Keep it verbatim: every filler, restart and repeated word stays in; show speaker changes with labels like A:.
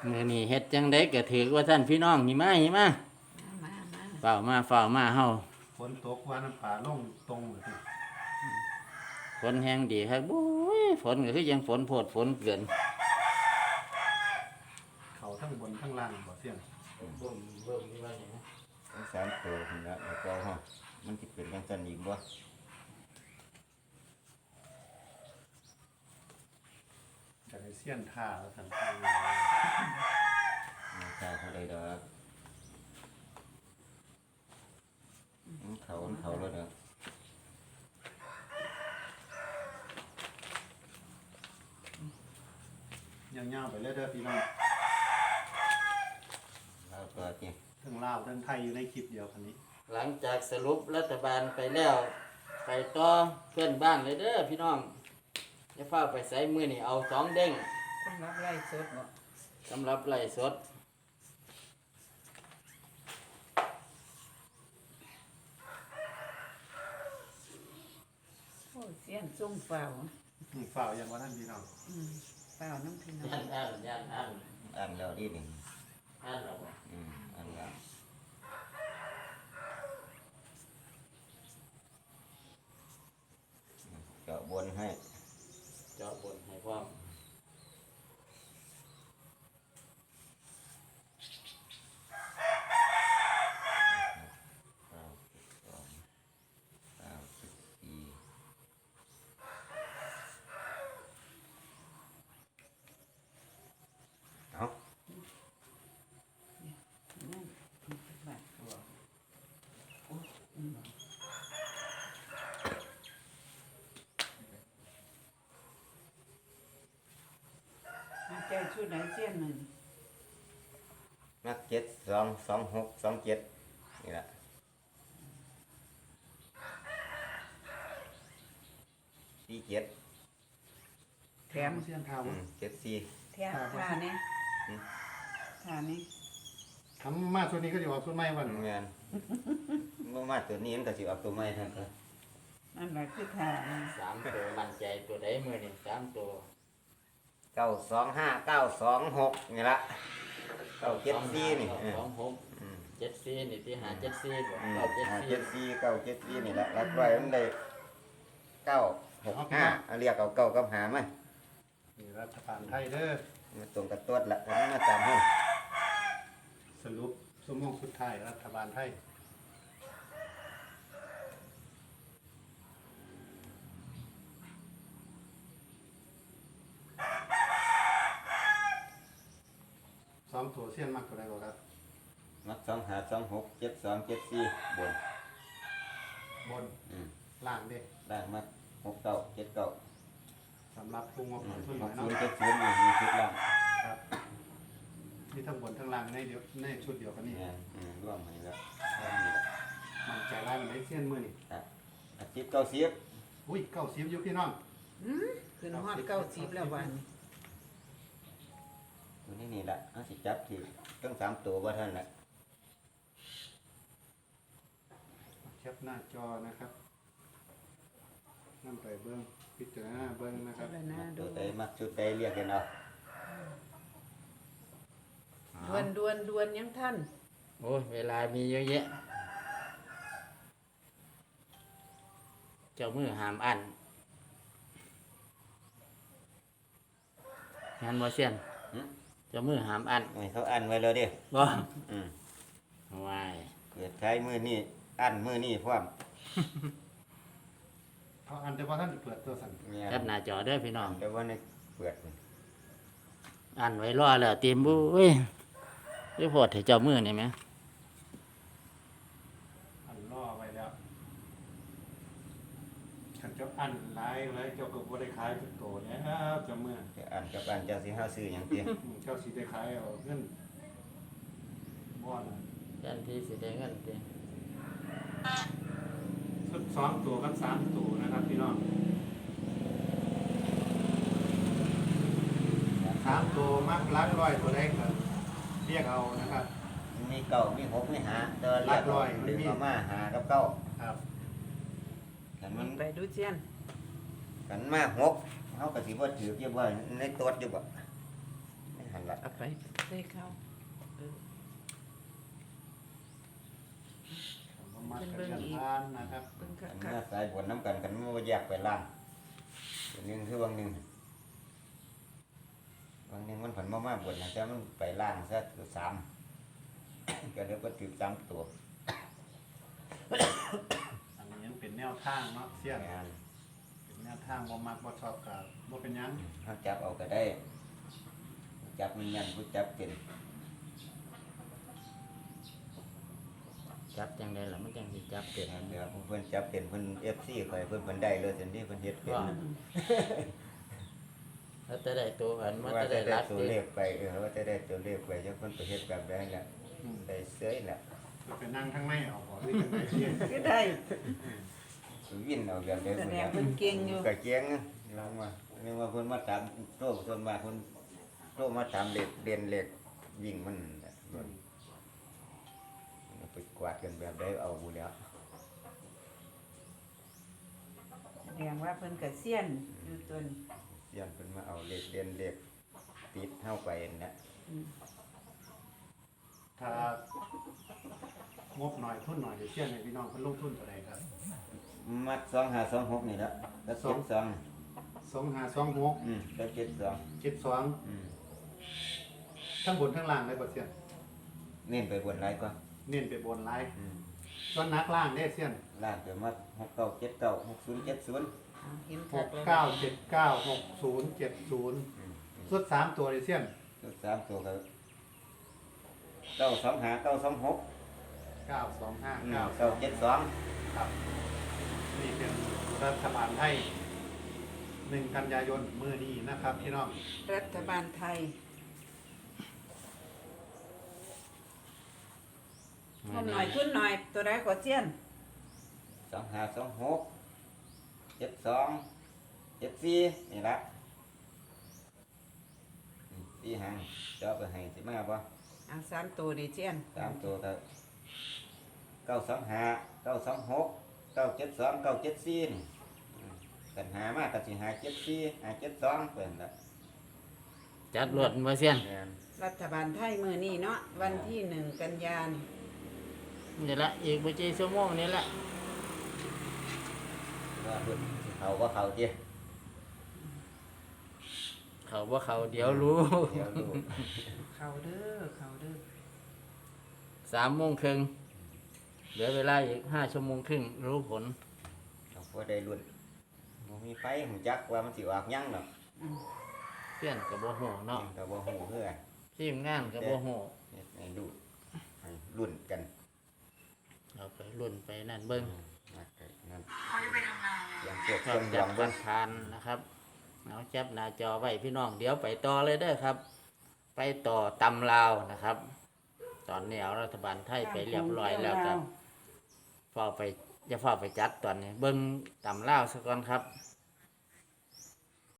A: มื้อนี้เฮ็ดจังได๋ก็ถือว่าท่านพี่น้องหิมาหิมา
B: มามา
A: เฝ้ามาเฝ้ามาเฮา
C: ฝนตกว่าน้ำป่าลงตรงเลย
A: ฝนแห้งดีครับโอ้ยฝนก็คือยังฝนโพดฝนเกิน
C: เขาทั้งบนทั้งล่างบ่เสียง
A: เบิ่มเบิ่มนี่ว่าหยัง
D: ทั้งสามตัวนี่ละแล้วก็ฮะมันจะเป็นจังซั่นอีกบ่
C: จะให้เสียนท่าแล้วสันทาง
D: ราคาเท่าใดดอกมันเขามันเขาแล้วเด้อ
C: ยาวๆไปเรื่อยๆพี่น้อง
D: แล้วก็จริง
C: ทั้งลาวทั้งไทยอยู่ในคลิปเดียวคันนี้
A: หลังจากสรุปรัฐบาลไปแล้วไปต่อเพื่อนบ้านเลยเด้อพี่น้องอย่าฟ้าไปใส่มือนี่เอาสองเด้ง
B: สำหรับไล่สดบ่
A: สำหรับไล่สด
B: โอ้เสียนส่งเฝ้า
C: อืมฝ่าวอย่างว่าท่านพี่น้อง
B: อืมเฝ้าน้ำพี่น้อง
A: ย่านอ่านย่านอ่าน
D: อ่านแล้วดีหนึ่ง
A: อ่านเราบ่
D: อืมอ่านแล้วเจาะบนให้
A: เจาะบนให้พร้อม
D: เก้าสิบสองเก้าสิบสี่เอา
B: นั่นบาทอืมมาใจชุดไหนเสียนหนึ่ง
D: นักเจ็ดสองสองหกสองเจ็ดนี่แหละสี่เจ็ด
B: แถม
C: เสียนท่า
D: อื
C: บ่
D: มเจ็ดสี่
B: แถมท่านี้
D: อืม
B: ท่านี้
C: ทำมาส่วนนี้ก็จะออกส่วนใหม่วัน
D: งานเมื่อมาตัวนี้มันก็สิออกตัวใหม่ท่านก็
B: นั่นแหละคือท่านี้
A: สามตัวมั่นใจตัวใดมือนี่สามตัว
D: เก้าสองห้าเก้าสองหกนี่ละเก้าเจ็ดสี่นี่
A: เก้า
D: เออ
A: สองหก
D: อืม
A: เจ็ดสี่นี่ที่หาเจ็ดสี่บ่
D: อืม
A: เก้าเจ็ด
D: ห้า
A: สี่
D: เจ็ดสี่เก้าเจ็ดสี่นี่ละรักไว้มันได้เก้าหกห้าเอาเรียกเอาเก้ากับหามา
C: นี่รัฐบาลไทยเด้อ
D: มาตรงกับตัวละแล้วมาตามห้อง
C: สรุปสมงสุดท้ายรัฐบาลไทยสองตัวเสียนมากกว่าใดบ่ครับ
D: มักสองหาสองหกเจ็ดสองเจ็ดสี่บน
C: บน
D: อืม
C: ล่างเด้
D: ล่างมักหกเก้าเจ็ดเก้า
C: สำหรับผู้งบ
D: อื
C: ล
D: ม
C: งทุนห
D: ห
C: น่อก ย
D: ศู
C: เนาะ
D: นย์เจ็ดศูนย์นี่มีชุดล่าง
C: ครับนี่ทั้งบนทั้งล่างในเดียวในชุดเดียวกันนี่
D: งานอืมร่วมให้แล้วร่วมนี่ละ
C: มันใจร้ายมันได้เสี้ยนมือนี่
D: ครับอาทิตย์เก้าสิบ
C: อุ้ยเก้าสิบอยู่พี่น้อง
B: อืมขึ้นฮอดเก้าสิบแล้ววันนี้
D: ตัวนี้นี่แหละเอาสิจับที่ต้องสามตัวว่าท่านแหละ
C: แคปหน้าจอนะครับนั่นไปเบิ้งพิจารณาเบิ้งนะค
B: พิ
C: รับ
B: จารณา
D: ตั
B: ดู
D: วใดมักชุดใดเรียกกันเอา
B: ดวนดวนดวนยังท่าน
A: โอ้ยเวลามีเยอะแยะ เจ้ามือหามอันงานบ่เสียน
D: หึ
A: เจ้ามือหามอัน
D: ให้เขาอันไว้เลยเดิ
A: บ่
D: อืม
A: วาย
D: เกิดใช้มือนี่อันมือนี่พร้อม
C: เพราะอันแต่ว่าท่านเปิดตัวสั่น
D: เนี่ย
A: แคปหน้าจอเด้อพี่น้อง
D: แต่ว่าในเปิดมัน
A: อันไว้รอแล้วเตรียมบุ้ยรีพอร์ตให้เจ้ามือนี่ไหม
C: อันล่อไว้แล้วขันเจ้าอันหลายหลายเจ้าก็บ่ได้ขายเป็นโตแล้วเจ้าเมื่อ
D: จะอันกับอันเจะสิห้าซื้ออย่างเตี้ย
C: อืมเจ้าสิได้ขายเอาเงินบ่ล่ะ
A: ยันที่สิได้เงินเตรียม
C: ชุดสองตัวกับสามตัวนะครับพี่น้องสามตัวมักลักร้อยตัวแรกครับเรียกเอานะครับ
D: มีเก้ามีหกมีหาแต่ว่าเรียก
C: หลักร้อย
D: ดึง
C: มันมี
D: ออกมาหากับเก้า
C: ครับ
D: กันมัน
B: ไปดูเสียน
D: กันมาหกเขาก็สิว่าถือเยอะว่าในตัวอยู่บ่ในหาหันละ
B: เอาไปใส่ข้าวเออ
C: ผมมากันเรื่องทานนะครับ
B: เบิ่งคั
D: อั
B: ก
D: น
B: ๆ
D: นี้สายบนน้ำกันกันมันบ่แยกไปล่างอันหนึงคือบางหนึงบางหนึงมันผันมามาบนนะแต่มันไปล่างซะคือสาม ก็เรียกว่าถือสามตัว
C: อันนี้ยังเป็นแนวทางเนาะเสี้ยน
D: งาน
C: เป็นแนวทางบ่มักบ่ชอบกับบ่เป็นหยัง
D: เขาจับเอาก็ได้จับมันยันผู้จับเป็น
A: จับจังไดล่ะมันจังสิจับเป็น
D: เดี๋ยวเพิ่นจับเป็นเพิ่นเอฟซีข่อยเพิ่นเพิ่นได้เลยทันทีเพิ่นเฮ็ดเป็น
A: ว่าแล้วจะได้ตัวอันมัน
D: ว่า
A: จะ
D: จะ
A: ได้
D: ได้
A: รัด
D: ตัว
A: ติ
D: เลขไปเออว่าจะได้ตัวเลขไปจักเพิ่นไปเฮ็ดแบบใดล่ะ
C: อืม
D: ได้เสยล่ะ
C: จะไปนั่งข้างในเอาบ่หรือจังไดเสี้ยน
B: ก็ได้
D: วินเอาแบบใด
B: แส
D: พุ่น
B: ดง
D: ล่ะ
B: เพิ่นเก่งอยู่
D: ก็เกียงลองมาเรียกว่าเพิ่นมาถามโตส่วนมากเพิ่นโตมาถามเลขเรียนเลขวิ่งมันน่ะเพิ่นไปกวาดกันแบบใดเอาบ่แล้ว
B: แสดงว่าเพิ่นก็เซียนอยู่ตัวนี้
D: ย้อนเพิ่นมาเอาเลขเรียนเลขติดเฮาไปนั่นน่ะ
B: อืม
C: ถ้างบหน่อยทุนหน่อยเดี๋ยวเสี้ยนให้พี่น้องเพิ่นลงทุนเท่าใดครับ
D: มัดสองห้าสองหกนี่ละแล้วเจ็ดสอง
C: สองห้าสองหก
D: อืมแล้วเจ็ดสอง
C: เจ็ดสอง
D: อืม
C: ทั้งบนทั้งล่างเลยบ่เสี้ยน
D: เน้นไปบนไรก็
C: เน้นไปบนหลาย
D: อืม
C: ส่วนนักล่างเด้เสี้ยน
D: ล่างเดี๋ยวมัดหกเก้าเจ็ดเก้าหกศูนย์เจ็ดศูนย์
B: เอาเห็น
C: ห
B: คั
C: ก
B: กแล้ว
C: เก้าเจ็ดเก้าหกศูนย์เจ็ดศูนย์
D: อืม
C: สุดสามตัวเลยเสี้ยน
D: ชุดสามตัวก็เก้าสองห้าเก้าสองหก
C: เก้าสองห้า
D: อืม
C: เก้า
D: เก้าเจ็ดสอง
C: ครับ นี่เป็นรัฐบาลไทยหนึ่งกันยายนมื้อนี้นะครับพี่น้อง
B: รัฐบาลไทยงมหน่อยทุนหน่อยตัวใดก็เซียน
D: สองห้าสองหกเจ็ดสองเจ็ดสี่นี่ละอืมสี่หางจะเอาไปให้สิมาป่ะ
B: เอาสามตัวดิเซียน
D: สามตัวก็เก้าสองห้าเก้าสองหกเก้าเจ็ดสองเก้าเจ็ดสี่นี่อืมกันหามากกันสิหาเจ็ดสี่หาเจ็ดสองเป็นละ
A: จัดรวดมาเสียน
D: แม่น
B: รัฐบาลไทยมื้อนี้เนาะวันที่หนึ่งกันยายน
A: นี่ละอีกบ่กี่ชั่วโมงนี่ละ
D: ว่าเพิ่นสิเขาว่าเขาเจี
A: เขาว่าเขาเดี๋ยวรู้
D: เดี๋ยวดู
B: เขาเด้อเขาเด้อ
A: สามโมงครึ่งเหลือเวลาอีกห้าชั่วโมงครึ่งรู้ผล
D: เขาก็ได้รุ่นบ่มีไฟหูจักว่ามันสิออกหยังดอก
A: เพื่อนกับโบโหเนาะ
D: ก็บ่ฮู้เพื่อ
A: ทีมงานกับโบโห
D: เฮ็ดให้ดูให้รุ่นกัน
A: เอาไปรุ่นไปนั่นเบิ้ง
D: มาเกิดนั่นอย่างพวก
A: ช
D: เค
A: อ
D: รื่
A: บ
D: อง
A: จั
D: ด
A: บ
D: อง
A: ป
D: เบิ่
A: ระ
D: ง
A: ทานนะครับเอาจับหน้าจอไว้พี่น้องเดี๋ยวไปต่อเลยเด้อครับ ไปต่อตำลาวนะครับ ตอนนี้เอารัฐบาลไทยไปเรียบร้อยแล้วครับเฝ้าไปจะเฝ้าไปจัดตอนนี้ เบิ้งตำลาวซะก่อนครับ